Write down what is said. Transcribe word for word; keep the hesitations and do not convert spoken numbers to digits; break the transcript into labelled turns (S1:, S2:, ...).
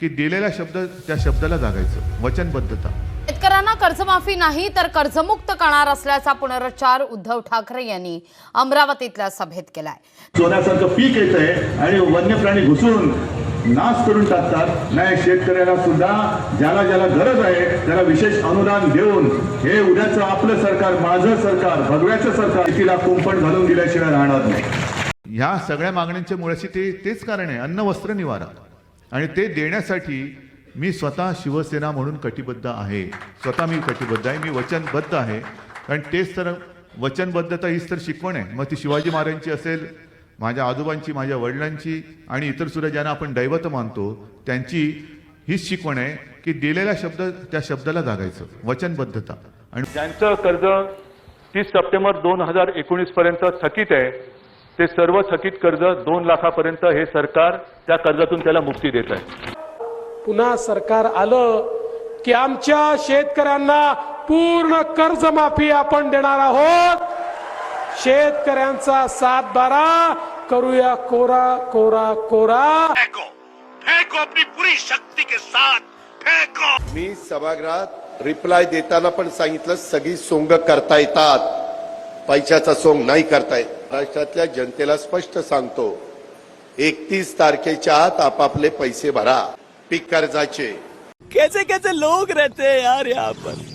S1: की दिलेला शब्द त्या शब्दाला जागायचं, वचनबद्धता।
S2: शेतकऱ्यांना कर्जमाफी नाही तर कर्जमुक्त करणार असल्याचा पुनरुच्चार उद्धव ठाकरे यांनी अमरावतीतल्या सभेत केलाय।
S3: सोन्यासारखं पीक येतंय आणि वन्य प्राणी घुसून नाश करून टाकतात। नाही, शेतकऱ्याला सुद्धा ज्याला ज्याला गरज आहे त्याला विशेष अनुदान देऊन हे उद्याचं आपलं सरकार, माझं सरकार, भगव्याचं सरकार तिला कुंपण घालून दिल्याशिवाय राहणार नाही।
S1: ह्या सगळ्या मागण्यांच्या मुळाशी ते तेच कारण आहे, अन्न वस्त्र निवारा, आणि ते देण्यासाठी मी स्वतः शिवसेना म्हणून कटिबद्ध आहे। स्वतः मी कटिबद्ध आहे, मी वचनबद्ध आहे। कारण तेच तर वचनबद्धता हीच तर शिकवण आहे। मग ती शिवाजी महाराजांची असेल, माझ्या आजोबांची, माझ्या वडिलांची आणि इतर सुद्धा ज्यांना आपण दैवत मानतो त्यांची हीच शिकवण आहे की दिलेला शब्द त्या शब्दाला जागायचं, वचनबद्धता। आणि
S4: ज्यांचं कर्ज तीस सप्टेंबर दोन हजार एकोणीस पर्यंत थकीत आहे ते सर्व थकीत कर्ज दोन लाखापर्यंत हे सरकार त्या कर्जातून त्याला मुक्ती देत आहे।
S5: पुन्हा सरकार आलं की आमच्या शेतकऱ्यांना पूर्ण कर्जमाफी आपण देणार आहोत। शेतकऱ्यांचा सात बारा करूया कोरा कोरा कोरा।
S6: फेंको फेंको अपनी पूरी शक्ति के साथ फेंको।
S7: मी सभागृहात रिप्लाय देताना पण सांगितलं, सगळी सोंग करता येतात, पैशाचा सोंग नाही करता येत। महाराष्ट्रातल्या जनतेला स्पष्ट सांगतो, एकतीस तारखेच्या आत आपापले पैसे भरा पीक कर्जाचे।
S8: कैसे कैसे लोग रहते हैं यार यहाँ पर।